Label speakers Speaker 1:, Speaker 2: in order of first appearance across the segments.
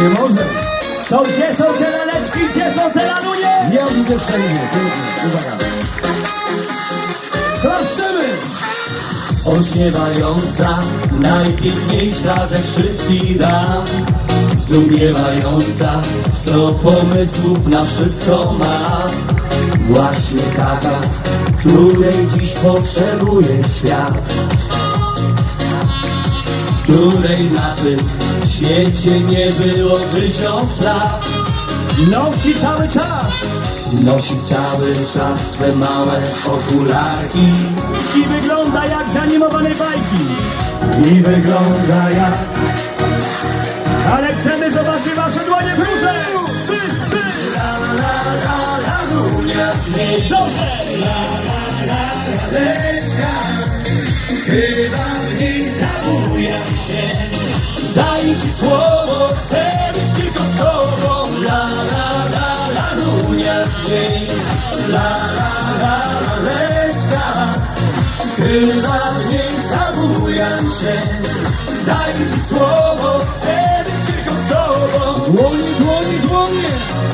Speaker 1: Nie może.
Speaker 2: To gdzie są te laleczki, gdzie są te lalunie?
Speaker 1: Nie widzę wszędzie. Uwaga. Klaszczymy!
Speaker 3: Ośniewająca, najpiękniejsza ze wszystkich dam, zdumiewająca, 100 pomysłów na wszystko ma. Właśnie taka, której dziś potrzebuje świat, której na tym świecie nie było 1000 lat.
Speaker 2: Nosi cały czas
Speaker 3: Nosi cały czas swe małe okularki
Speaker 2: i wygląda jak z animowanej bajki.
Speaker 3: i wygląda jak...
Speaker 2: Ale chcemy zobaczyć wasze dłonie w górze! Wszyscy!
Speaker 3: Lalunia śmiech.
Speaker 2: Dobrze!
Speaker 3: Laleczka, chyba w niej zabujam się. Daj ci słowo, chcę być tylko z tobą. Lalunia śmiech. Laleczka, chyba w niej zabujam się. Daj ci słowo, chcę być tylko z tobą.
Speaker 1: Dłonie, dłonie, dłonie!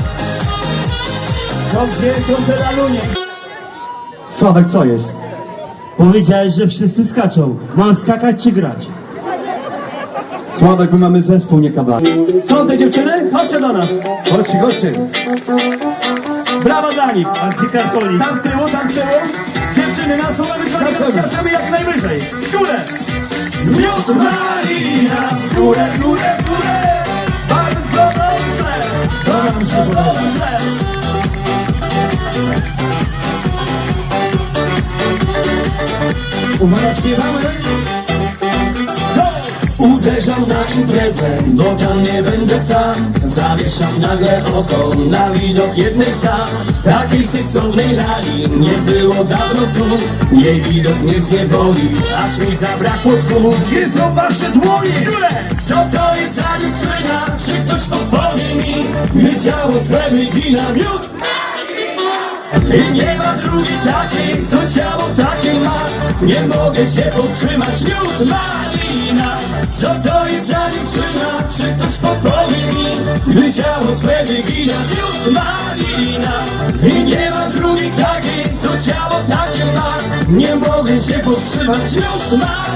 Speaker 2: To gdzie są te lalunie?
Speaker 1: Sławek, co jest?
Speaker 2: Powiedziałeś, że wszyscy skaczą. Mam skakać czy grać?
Speaker 1: Sławek, my mamy zespół, nie kabak.
Speaker 2: Są te dziewczyny? Chodźcie do nas!
Speaker 1: Chodźcie, chodźcie.
Speaker 2: Brawa dla nich! A gdzie kartoli? Tam z tyłu, tam z tyłu! Dziewczyny, na słowę skaczemy jak najwyżej! W górę!
Speaker 3: Miód malina, w górę, w górę, w górę.
Speaker 2: Bardzo dobrze!
Speaker 1: To nam się podoba.
Speaker 2: Dobrze!
Speaker 1: Uwaga, śpiewamy.
Speaker 3: Uderzam na imprezę, bo tam nie będę sam. Zawieszam nagle oko na widok jednej z dam. Takiej seksownej lali nie było dawno tu. Jej widok mnie zniewoli, aż mi zabrakło tchu.
Speaker 2: Gdzie są wasze dłonie? W górę!
Speaker 3: Co to jest za dziewczyna? Czy ktoś podpowie mi? Gdy ciało twe wygina miód i nie ma drugiej takiej, co ciało takie ma. Nie mogę się powstrzymać, miód malina. Co to jest za dziewczyna? Czy ktoś podpowie mi? Gdy ciało twe wygina miód malina i nie ma drugiej takiej, co ciało takie ma. Nie mogę się powstrzymać, miód malina.